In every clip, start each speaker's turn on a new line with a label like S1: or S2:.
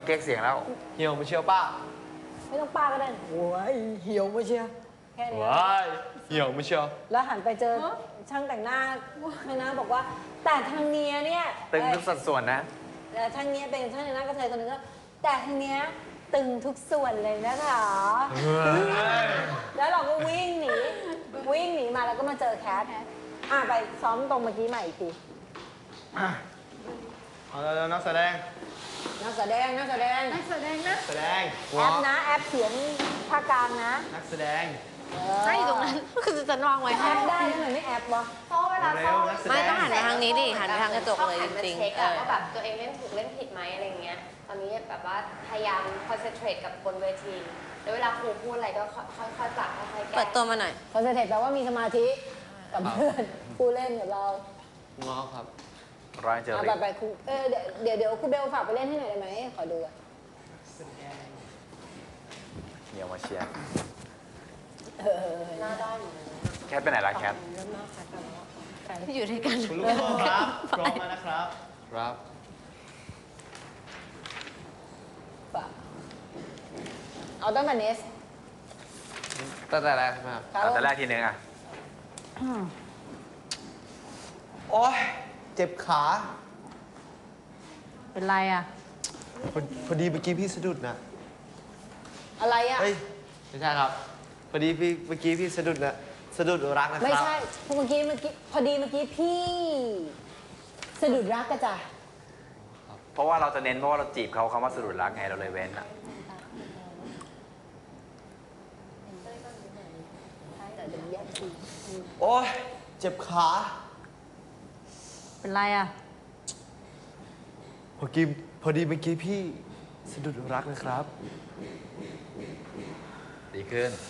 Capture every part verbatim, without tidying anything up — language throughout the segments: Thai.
S1: เก๊กเสียงแล้วเหี่ยวมาเชียวป้า
S2: ไม่ต้องป้าก็ได้โว้ยเหี่ยวมาเชียวแค่นี้
S1: ว้ายเหี่ยวมาเชียว
S2: แล้วหันไปเจอช่างแต่งหน้าช่างหน้าบอกว่าแต่ทางเนี้ยเนี่ย
S1: ตึงทุกสัดส่วนนะ
S2: แต่ทางเนี้ยเป็นช่างแต่งหน้ากระเทยคนนึงก็แต่ทางเนี้ยตึงทุกส่วนเลยนะคะแล้วเราก็วิ่งหนีวิ่งหนีมาแล้วก็มาเจอแคทอ่ะไปซ้อมตรงเมื่อกี้ใหม่อีกที
S3: เอาแล้วนักแสดง
S2: นักแสดงนักแสดง
S4: นักแสดงนะ
S3: แสดง
S2: แอปนะแอปเขียนภาคกลางนะ
S3: นักแสดง
S4: ใช่ตรงนั้นคือจะวางไว้
S2: แอปได้ทำไมไม่แอปวะ
S4: เพราะเวลาเข้า
S3: ไม่
S4: ต้องหันไปทางนี้ดิหันไปทางกระจกเลยจริง
S5: ๆเออว่าแบบตัวเองเล่นถูกเล่นผิดไหมอะไรเงี้ยตอนนี้แบบว่าพยายามคอนเซนเทรตกับบนเวทีแล้วเวลาครูพูดอะไรก็ค่อยๆปรับค่อยๆแก้
S4: เปิดตัวมาหน่อย
S2: คอนเซนเทรตแปลว่ามีสมาธิกับเพื่อนผู้เล่นกับเรา
S3: ง้อครับ
S1: ร้อยเจอ
S2: รี่ไปครูเออเดี๋ยวเดี๋ยวครูเบลฝากไปเล่นให้หน่อยได้ไหมขอดูอ่ะ
S1: เหี่ยวมาเชียร์
S5: หน้าด้าน
S1: แคทไปไหนล่ะแคท
S4: อยู่ด้วยกัน
S3: คุณลูกครับพร้อมแล้วนะครับ
S1: ครับ
S2: เอาตั้งแต่เนส
S1: ตั้งแต่แรกใช่ไหมครับตั้งแต่แรกทีนึงอ่ะ
S3: โอ๊ยเจ็บขา
S4: เป็นไรอ่ะ
S3: พอพอดีเมื่อกี้พี่สะดุดนะ
S2: อะไรอ่ะ
S3: เฮ้ยไม่ใช่ครับพอดีพี่เมื่อกี้พี่สะดุดนะสะดุดรักนะครับ
S2: ไม่ใช่เมื่อกี้เมื่อกี้พอดีเมื่อกี้พี่สะดุดรักกระจ่า
S1: เพราะว่าเราจะเน้นเพราะว่าเราจีบเขาคำว่าสะดุดรักไงเราเลยเว้นอ่ะ
S3: โอ๊ยเจ็บขา
S4: เป็นไรอ่ะ
S3: พอกี้พอดีเมื่อกี้พี่สะดุดรักนะครับ
S1: ดีขึ้น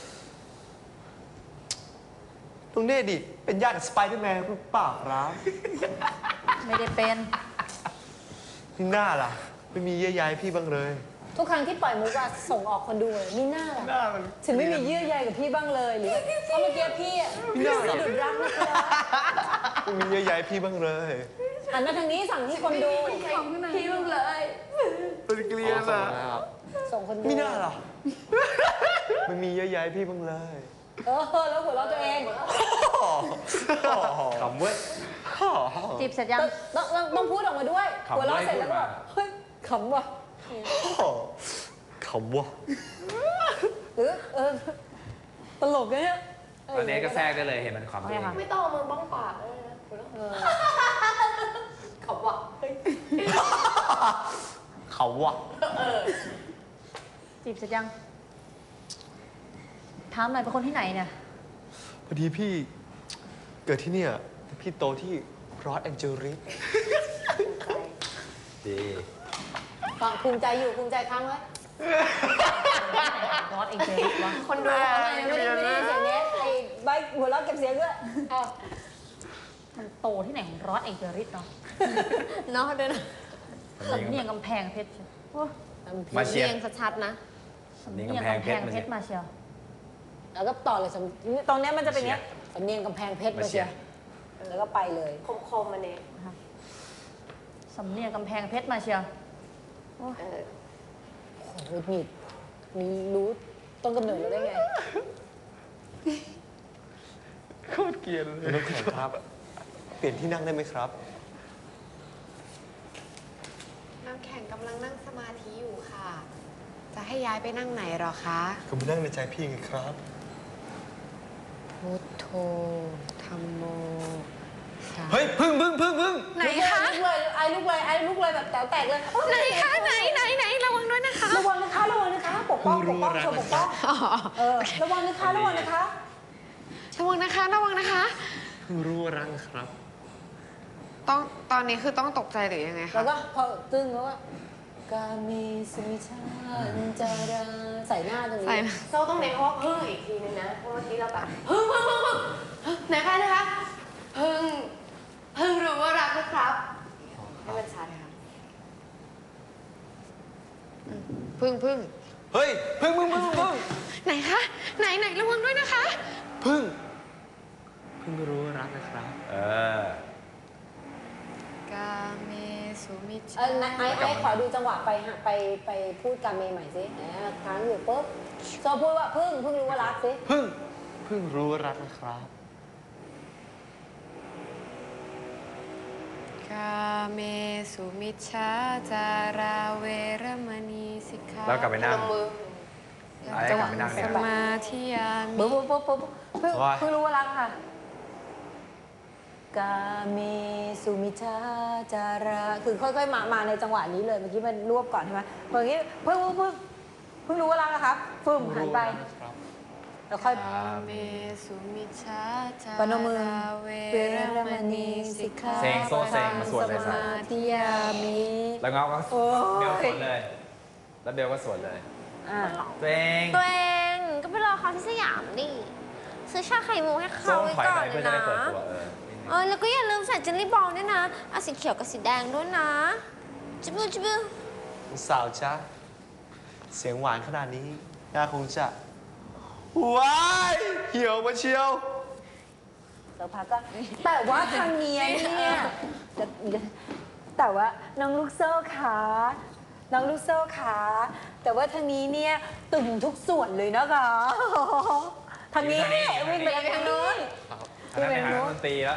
S3: ตรงนี้ดิเป็นญาติกับสไปเดอร์แมนหรือเปล่าครับ
S4: ไม่ได้เป็น
S3: นี่หน้าล่ะไม่มีเยื่อใยพี่บ้างเลย
S2: ทุกครั้งที่ปล่อยมุกอะส่งออกคนดูเลยนี่หน้าล่ะถึงไม่มีเยื่อใยกับพี่บ้างเลยหรือเพราะเมื่อกี้พี่สะดุดรักนะครับ
S3: ไม่มีเยื่อใยพี่บ้างเลย
S2: หันมาทางนี้สั่งที่คนดู
S5: พี่มึงเลย
S3: เป็นเกลียดอะ
S2: ส่งคนดู
S3: ไม่น่าหรอไม่มีเยื่อใยพี่บ้างเลย
S2: เออแล้วหัวเราะตัวเอง
S1: ขำเว้ย
S4: จีบเสร็จยัง
S2: ต้องต้องพูดออกมาด้วยหัวเราะเสร็จแล้วก็เฮ้ยขำว่ะ
S3: ขำว่ะ
S2: หรือเออตลกเนี่ย
S1: ตอนนี้ก็แทรกได้เลยเห็นมันขำด้วย
S5: ไม่ต้องเอามือบ้องปากเลยนะขำว่ะ
S3: ขำว่ะ
S4: จีบเสร็จยังถามหน่อยเป็นคนที่ไหนเนี่ย
S3: พอดีพี่เกิดที่เนี่ยแต่พี่โตที่รอสแองเจลิส
S1: ดี
S2: ฟังภูมิใจอยู่ภูมิใจค้างไว้
S4: รอสเองเจอวะ
S2: คนดูไม่ได้ไม่ได้เสียงเนี้ยไอ้ใบหัวเราะเก็บเสียงด้วย
S4: มันโตที่ไหนของรอสเองเจอริสเนาะเนาะด้วยนะสำเนียงกำแพงเพชร
S1: มาเชียร์
S4: ชัดๆนะสำเนียงกำแพงเพชรมาเชียว
S2: แล้วก็ต่อเลยตรงนี้มันจะเป็นเนี้ยสำเนียงกำแพงเพชรมาเชียวแล้วก็ไปเลย
S5: คมๆมาเนี่ย
S4: สำเนียงกำแพงเพชรมาเชียว
S2: โอ้โหมีมีรู้ต้นกำเนิดเราได้ไง
S3: โคตรเกลียดเลยน้ำแข็งครับเปลี่ยนที่นั่งได้ไหมครับ
S5: น้ำแข็งกำลังนั่งสมาธิอยู่ค่ะจะให้ย้ายไปนั่งไหนหรอคะ
S3: ก็มานั่งในใจพี่ไงครับ
S5: พุทโธธัมโม
S3: เฮ้ยพึ่งพึ่งพึ่งพึ่ง
S2: ไหนคะลุกเลยไอ้ลุกเลยไอ้ลุกเลยแบบแต๋วแตกเลย
S4: ไหนคะไหนไหนไหนระวังด้วยนะคะ
S2: ระวังนะคะระวังนะคะปกป้องปกป้องชมปกป้องเออระวังนะคะระวังนะคะ
S4: ระวังนะคะระวังนะคะ
S3: เพิ่งรู้รักครับ
S5: ต้องตอนนี้คือต้องตกใจหรือยังไงคะ
S2: แล้วก็พอตึ้งแล้วก็กามีสมิชาจาราใส่หน้าตรงนี้
S5: เราต้องเน้นเพราะว่าพึ่งอีกทีนึงนะเพราะเมื่อกี้เราแบบพึ่งพึ่งพึ่งพึ่งไหนคะนะคะพึ่งพึ่งรู้ว่ารักนะครับให้มันชัดค่ะพึ่งพึ่ง
S3: เฮ้ยพึ่งพึ่งพึ่งพึ่ง
S4: ไหนคะไหนไหนระวังด้วยนะคะ
S3: พึ่งพึ่งรู้ว่ารักนะครับ
S1: เออ
S5: กาเมสสุมิช
S2: เออไอ้ไอ้ขอดูจังหวะไปหาไปไปพูดกับเมย์ใหม่สิแหมค้างอยู่ปุ๊บโซพูดว่าเพิ่งเพิ่งรู้ว่ารักสิ
S3: เพิ่งเพิ่งรู้ว่ารักนะครับ
S5: กาเมสุมิชฌาจาราเวรมณีสิกขา
S1: แล้วกลับไปนั่ง
S5: พนมมือ
S1: ไอ้กลับไปนั่ง
S5: ส
S1: เนี่ย
S5: มาธิยามิ
S2: ปุ๊บปุ๊บปุ๊บปุ๊บเพิ่ง
S3: ว่า
S2: เพิ่งรู้ว่ารักค่ะกาเมสุมิชาจาราคือค่อยๆมามาในจังหวะนี้เลยเมื่อกี้มันรวบก่อนใช่ไหมเมื่อกี้เพิ่งเพิ่งเพิ่งเพิ่งรู้ว่ารักนะครับฟึ่มหันไปแล้วค่อย
S5: กาเมสุมิชฌาจา
S2: ปนมมือ
S5: ราเว
S2: เว
S5: ร
S2: ร
S5: ม
S2: ม
S5: ณี
S2: ณี
S5: สิ
S2: สิ
S5: ก
S2: ก
S5: ขา
S2: ขา
S1: เซงโซ่เซงมาสวดเลย
S2: ส
S1: สัต
S2: มา
S1: ว์
S2: ธิยามิ
S1: แล้วเงาก็
S2: โอ้ย
S1: เบลสวนเลย แล้วเบลก็สวนเลย
S2: อ่ะ
S1: ตัวเอง
S4: ตัวเองก็ไปรอเขาที่สยามดิซื้อชาไข่มุกให้
S1: ส้
S4: เขา
S1: ม
S4: ไว้
S1: ถอย
S4: ก่อ
S1: ไป
S4: นเล
S1: เพื่อย จะ
S4: นะ
S1: ได้เปิดตัวเออ
S4: เออแล้วก็อย่าลืมใส่เจลลี่บอลด้วยนะเอาสีเขียวกับสีแดงด้วยนะจิบบูจิบบู
S3: สาวจ้าเสียงหวานขนาดนี้น่าคงจะว้ายเหี่ยวมาเชียว
S2: สักพักก็แต่ว่าทางเนี้ยเนี่ยจะแต่ว่าน้องลูกโซ่ขาน้องลูกโซ่ขาแต่ว่าทางนี้เนี่ยตึงทุกส่วนเลยนะคะทางนี้วิ่งไปทางนู้น
S1: อันนั้นไปหาดนตรีแล้ว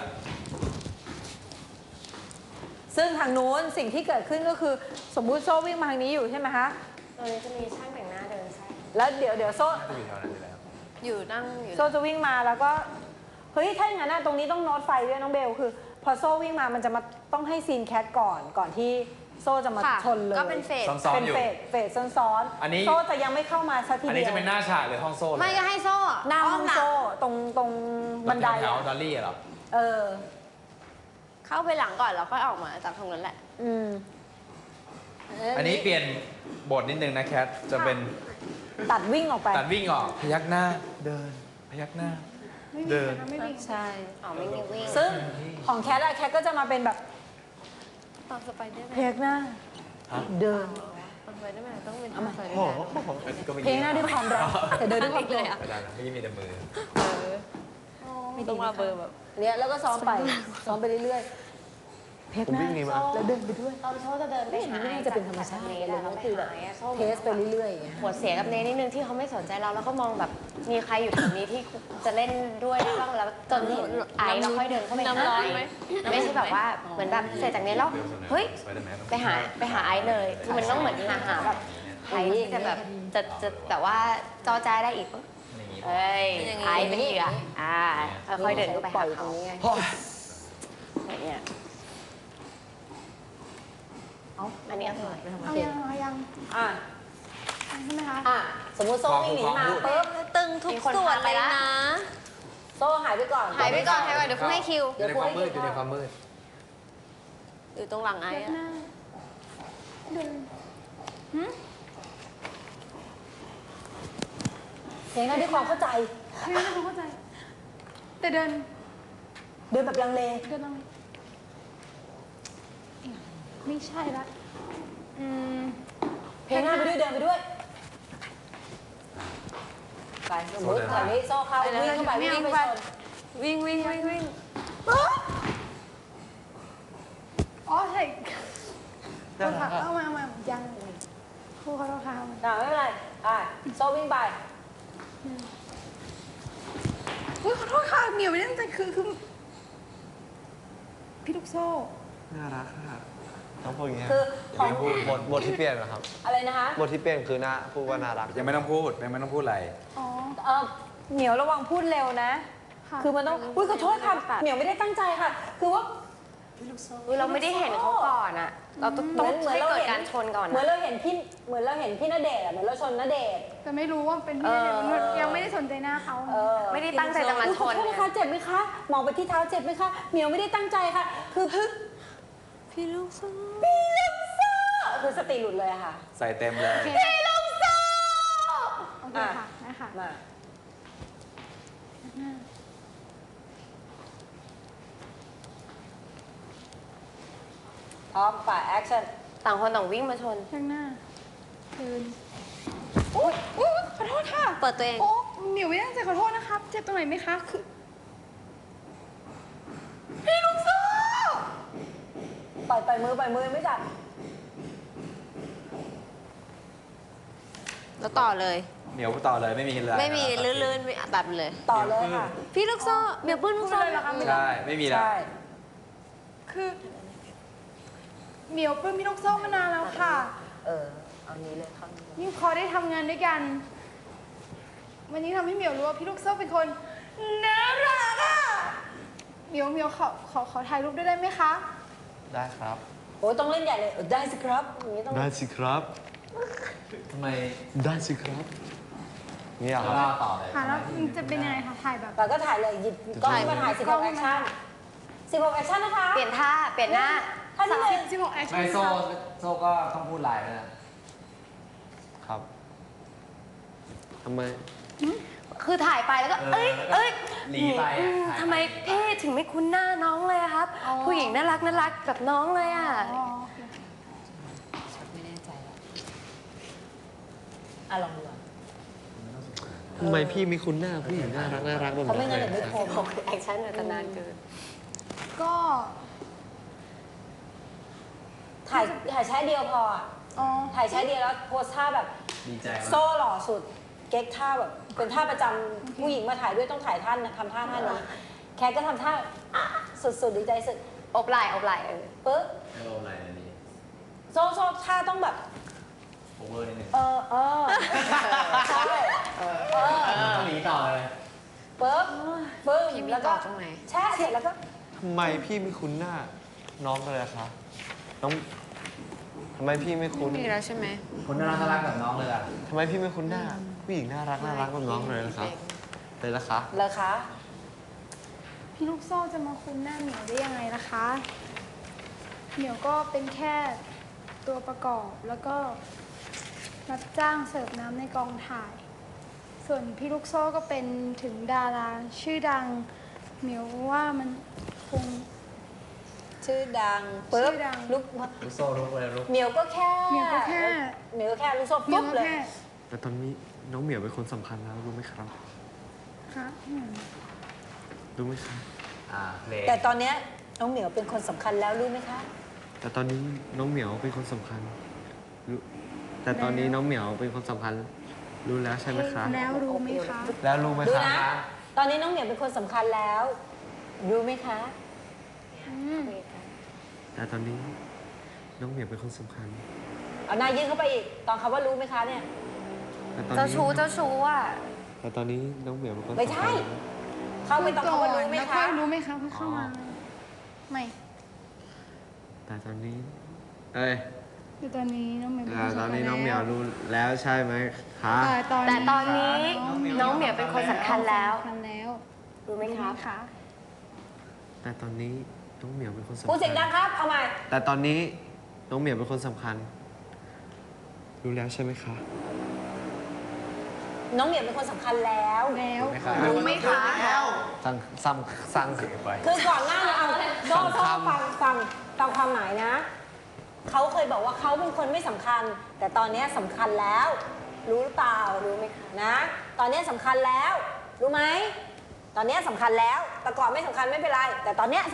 S2: ซึ่งทางนู้นสิ่งที่เกิดขึ้นก็คือสมมุติโซ่วิ่งมาทางนี้อยู่ใช่ไหมคะ
S5: ตรงนี้จะมีช่างแต่งหน้าเดินใช่
S2: แล้วเดี๋ยวเดี๋ยวโซ่
S1: น่าจะอยู่แถวนั้นอยู่แล้ว
S5: อยู่นั่งอยู่
S2: โซ่จะวิ่งมาแล้วก็เฮ้ยถ้าอย่างนั้นนะตรงนี้ต้องโน้ตไฟด้วยน้องเบลคือ พอโซ่วิ่งมามันจะมาต้องให้ซีนแคทก่อนก่อนที่โซ่จะมา
S4: ค่ะ
S2: ชนเลย
S4: ก็เป็นเฟส
S1: ซ้อม
S2: เป็น
S1: ๆอยู่
S2: เฟสเฟสซ้อน
S1: อันนี้
S2: ๆโซ่จะยังไม่เข้ามาสักที
S1: อัน
S2: เดี
S1: นี้
S2: ยว
S1: จะเป็นหน้าฉากหรือห้องโซ่เลย
S4: ไม่ก็ให้โซ่
S2: หน้าห้องโซ่ตรงตรงบันได
S1: แถว
S2: อะ
S1: ๆดอลลี่เหรอ
S2: เออ
S4: เข้าไปหลังก่อนแล้วค่อยออกมาจากตรงนั้นแหละ
S2: อืม
S1: อันนี้เปลี่ยนบทนิดนึงนะแคท จะเป็น
S2: ตัดวิ่งออกไป
S1: ตัดวิ่งออก พยักหน้า เดิน พยักหน้า เดิน
S2: ใช่
S4: อ๋อไม่มีวิ่ง
S2: ซึ่งของแคทอะแคทก็จะมาเป็นแบบ
S4: ตอนสไปเดอร์แม
S2: เพล
S4: น
S2: งหน้า
S1: ฮะ
S2: เดิน
S4: ตอนสไปเดอร์แมนต้องเป็นต
S2: เอา
S4: อน
S2: มา
S4: สไปเดอ
S3: โอ้
S4: ร์แมน
S3: โห
S1: ก็ไม่
S2: เพลงหน้าด้วยความรักแต่เดินด้วยความโกรธ
S1: ไม่ได้นะไม่มีแต่มือ
S4: ไม่ต้องมาเบอร์แบบ
S2: เนี่ยแล้วก็ซ้อมไปซ้อมไปเรื่อยๆเพลง
S3: ผม
S2: หน้า
S3: วิ่งหนีมา
S2: แล้วเดินไปด้วย
S5: ตอนโซ่จะเดินไปหา
S2: ไม่น่าจะเป็นธรรมชาติเลยนะคือแบบเทสไปเรื่อยๆอย่างเงี้ย
S5: หัวเสียกับเนนิดนึงที่เขาไม่สนใจเราแล้วก็มองแบบมีใครอยู่แถวนี้ที่จะเล่นด้วยได้บ้างแล้วจนเห็นไอซ์แล้วค่อยเดินเข้าไปหา
S4: น้ำร้อน
S5: ไอซ์
S4: ไหม
S5: ไม่ใช่แบบว่าเหมือนแบบเสร็จจากนี้แล้วเฮ้ยไปหาไปหาไอซ์เลยคือมันต้องเหมือนหาหาแบบใครที่จะแบบจะจะแต่ว่าจอจาได้อีกปะเอ้ยไอซ์เป็นเหยื่ออ่าค่อยๆเดินเข้าไปหาเขาเนี่ยเอาอันนี้อร่อย
S2: เอายังเอายังอ่ะ
S5: ใช่ไหมคะ
S2: อ่ะสมมติโซ่วิ่งหนีมา
S1: พูด
S2: ปุ๊บ
S4: ตึงทุกส่วนเลยนะ
S2: โซ่หายไปก่อน
S4: หายไปก่อนหายไปก่อนเดี๋ยวคุณให้คิว
S1: อยู่ในความมืด อยู่ในความมืด
S4: อยู่ตรงหลังไอ้อะ
S2: เพลงหน้าด้วยความเข้าใจ
S6: ไม่ได้เข้าใจ แต่เดิน
S2: เดินแบบลังเล
S6: เดินตรงนี้ไม่ใช่ละอืม
S2: เพลงหน้าไปด้วยเดินไปด้วยไปสมมติตอนนี้โซ่เข้าวิ่งเข้าไปวิ่งไปชน
S4: วิ่งวิ่งวิ่งวิ่ง
S6: อ๋อใช่โทษค่ะเอามาเอามายังครูขอโทษค่ะเอามา
S2: อ่ะไม่เป็นไรอ่ะโซ่วิ่งไป
S6: อุ๊ยขอโทษค่ะเหนียวไม่ได้ตั้งใจคือคือพี่ลูกโซ่
S3: น่ารักค่ะต้องพูดอย่างเงี้ย
S2: คือของ
S3: บทบทที่เปลี่ยนเหรอครับ
S2: อะไรนะคะ
S3: บทที่เปลี่ยนคือน่าพูดว่าน่ารัก
S1: ยังไม่ต้องพูด ยังไม่ต้องพูดอะไร
S6: อ๋อ
S2: เออเหมียวระวังพูดเร็วนะ
S6: ค่ะ
S2: คือมันต้อง อุ้ยขอโทษค่ะ เหมียวไม่ได้ตั้งใจค่ะ คือว่า
S5: อุ๊ยเราไม่ได้เห็นเขาก่อนอะเราต้อง
S2: เห
S5: ต้อ
S2: มื
S5: ง
S2: อนเหมือน
S5: ให้
S2: เรา
S5: เกิด
S2: เห็น
S5: การชนก่อน
S2: เหมือน
S5: นะ
S2: เราเห็นพี่ เหมือนเราเห็นพี่ณเดชน์อะเหมือนเราชนณเดชน์
S6: แต่ไม่รู้ว่าเป็นพี่
S5: เออ
S6: เด็กยังไม่ได้สนใจหน้าเขา
S2: เออ
S5: ไม่ได้ตั้งใจจะมา
S2: อุ๊ย
S5: ช
S2: ขอน โทษนะคะเจ็บไหมคะ มองไปที่เท้าเจ็บไหมคะ เหมียวไม่ได้ตั้งใจค่ะ คือพึ่ง
S4: พี่ลูกโซ่
S2: พี่ลูกโซ่คือสติหลุดเลยอะค่ะ
S1: ใส่เต็มเลย
S2: พี่ลูกโซ่
S6: โอเคค่ะนะคะ
S2: มาพร้อมป่าแอคชั่น
S5: ต่างคนต่างวิ่งมาชน
S6: ข้างหน้าเดินอุ๊ยอุ๊ยขอโทษค่ะ
S4: เปิดตัวเอง
S6: โอ้เหนียวไม่ได้ตั้งใจขอโทษนะครับ เจ็บตรงไหนไหมคะ คือ พี่ลูกโซ่
S2: ไปล่อยปล่อยมือปล่อยมือไม่จับ
S5: แล้วต่อเลย
S1: เหนียวต่อเลยไม่มีเลย
S5: ไม่มีลื่นๆไม่แบบเลย
S2: ต่อเลยค่ะ
S5: พี่ลูกโซ่เมียวปื้นลูกโซ่
S6: พูดเลยเหรอคะ
S1: ใช่ไม่มีแล้ว
S2: ใช่
S6: คือเหมียวปลื้มพี่ลูกโซ่มานานแล้วค่ะ
S2: เออเอานี้เลยเข้านี้เลย
S6: ยิ่งพอได้ทำงานด้วยกัน วันนี้ทำให้เหมียวรู้ว่าพี่ลูกโซ่เป็นคนน่ารักอ่ะเหมียวเหมียวขอขอขอถ่ายรูปด้วยได้ไหมคะ
S3: ได้ครับ
S2: โอ้ยต้องเล่นใหญ่เลยเออได้สิครับอย่างนี้ต้อง
S3: ได้สิครับ
S1: ทำไม
S3: ได้สิครับนี่เหรอครับ
S1: เล่าต่อเลย
S6: ค่ะแล้วมันจะเป็นยังไงคะถ่ายแบบ
S2: แต่ก็ถ่ายเลยหยิบกล้องขึ้นมาถ่ายสิบหกแอคชั่นสิบหกแอคชั่นนะคะ
S5: เปลี่ยนท่าเปลี่ยนหน้า
S2: ท่านี้เลย
S6: สิบหกแอคชั่น
S1: ไม่โซ่โซ่ก็ต้องพูดไลน์นะ
S3: ครับทำไม
S5: คือถ่ายไปแล้วก็ เอ้ยเอ้ย
S1: หลีไป
S5: อื
S1: อ่ะ
S5: มทำไมพี่ถึงไม่คุ้นหน้าน้องเลยอะครับ ผู้หญิงน่ารักน่ารักแบบน้องเลยอ่ะ
S6: อ๋อโอเค
S2: ไม่แน่ใจแล้วอ่ะลองดูอ่ะ
S3: ทำไมพี่มีคุณหน้าผู้หญิงน่ารักน่ารักแบบ
S2: เขาะไม่
S3: นี้
S2: งั้น
S3: เล
S2: เดี๋ย
S3: ยว
S2: ไม่
S3: ค
S2: ครับ ม
S5: แอคชั่นอาจจะนานเกิน
S6: ก็
S2: ถ่ายถ่ายแช่เดียวพออ่ะ
S6: อ๋อ
S2: ถ่ายแช่เดียวแล้วโพสท่าแบบ
S1: ดีใจ
S2: โซ่หล่อสุด เก๊กท่าแบบ เป็นท่าประจำผู้หญิงมาถ่ายด้วยต้องถ่ายท่านนะทำท่าท่านี้แคทก็ทำท่าสุดๆดีใจสุด
S5: อบไหล่อบไหล่เออ
S2: ปึ๊บ
S1: ไม่โออะไรอันนี้
S2: โซ่โซ่ท่าต้องแบบ
S1: โอเวอร์นิดนึง
S2: เออเออใช่เออ
S1: ต้องหนีต่อเลย
S2: ปึ๊บปึ๊บ
S5: พี่มี
S2: แล้วก็
S5: ต่อตรงไหน
S2: แช่เสร็จแล้วก็
S3: ทำไมพี่ไม่คุ้นหน้า น้องเลยอะคะน้องทำไมพี่ไม่คุ้น
S5: มีแล้วใช่ไหม
S1: คนน่ารักน่ารักแบบน้องเลยอ่ะ
S3: ทำไมพี่ไม่คุ้นหน้า ผู้หญิงน่ารักน่ารักแบบน้องเลยนะครับเลยละคะ
S2: เลยคะ
S6: พี่ลูกโซ่จะมาคุ้นหน้าเหมียวได้ยังไงล่ะคะ เหมียวก็เป็นแค่ตัวประกอบแล้วก็รับจ้างเสิร์ฟน้ำในกองถ่าย ส่วนพี่ลูกโซ่ก็เป็นถึงดาราชื่อดัง เหมียวว่ามันคง
S2: ชื่อดังปึ๊บ
S6: ชื่อดัง
S2: ลุก
S1: ลูกโซ่ลูกเลยลูก
S2: เหมียวก็แค่
S6: เหมียวก็แค่
S2: เหมียวก็แค่ลูกโซ่
S6: เหมีย
S2: ปุ๊
S6: ว
S2: บ
S6: ก็
S2: เลย
S6: แค่
S3: แต่ตอนนี้น้องเหมียวเป็นคนสำคัญแล้วรู้ไหมครับ
S6: ค่ะอืม
S3: รู้ไหมครับ
S1: อ่าเพลง
S2: แต่ตอนเนี้ยน้องเหมียวเป็นคนสำคัญแล้วรู้ไหมคะ
S3: แต่ตอนนี้น้องเหมียวเป็นคนสำคัญรู้แต่ตอนนี้น้องเหมียวเป็นคนสำคัญ รู้แล้วใช่ไหมครับ
S6: แล้วรู้ไหมคะ
S3: แล้วรู้ไหม
S2: ดู
S3: ครับ
S2: นะ ตอนนี้น้องเหมียวเป็นคนสำคัญแล้ว รู้ไหมคะ
S6: อืม
S3: แต่ตอนนี้น้องเหมียวเป็นคนสำคัญ
S2: เอาหน้ายื่นเข้าไปอีก ตอนคำว่ารู้ไหมคะเนี่ย
S3: แต่ตอน
S5: เจ้า
S3: นี้
S5: ชู้เจ้าชู้อ่ะ
S3: แต่ตอนนี้น้องเหมียวเป็นคน
S2: ไม่ใช่
S3: สำคัญ
S2: เข้าไปตอนคำว่ารู้ไหม
S6: แล้ว
S2: คะ
S6: ค่อยรู้ไหมคะเพิ่งเข้ามา ไม่
S3: แต่ตอนนี้ เอ้ย
S6: คือตอนนี้น้องเหมียวเป็น
S3: แต่
S6: คน
S3: ตอนนี้
S6: สำคัญ
S3: น้องเหมียวรู้แล้วใช่ไหมคะ
S6: แต่ตอน
S5: แต่ตอนนี้น้องเหมียวเป็นคนสำคัญแล้ว
S6: สำคัญแล้ว
S5: รู้ไหมครับ
S6: คะ
S3: แต่ตอนนี้น้องเหมียวเป็นคนสำคัญ
S2: พูดเสียงดังครับ เอาใหม่
S3: แต่ตอนนี้น้องเหมียวเป็นคนสำคัญ รู้แล้วใช่ไหมคะ
S2: น้องเหมียวเป็นคนสำคัญแล้ว
S6: แล้ว
S1: ไม่ครับ
S6: รู้ไหมคะ
S3: สั่งซ้ำสั่ง
S1: เสียไป
S2: คือก่อนหน้านี้เอาโซ่
S3: สอง
S2: โซ่
S3: คำ
S2: ฟังฟังตามความหมายนะ เขาเคยบอกว่าเขาเป็นคนไม่สำคัญ แต่ตอนนี้สำคัญแล้ว รู้หรือเปล่า รู้ไหมคะนะ ตอนนี้สำคัญแล้ว รู้ไหม ตอนนี้สำคัญแล้ว แต่ก่อนไม่สำคัญไม่เป็นไร แต่ตอนนี้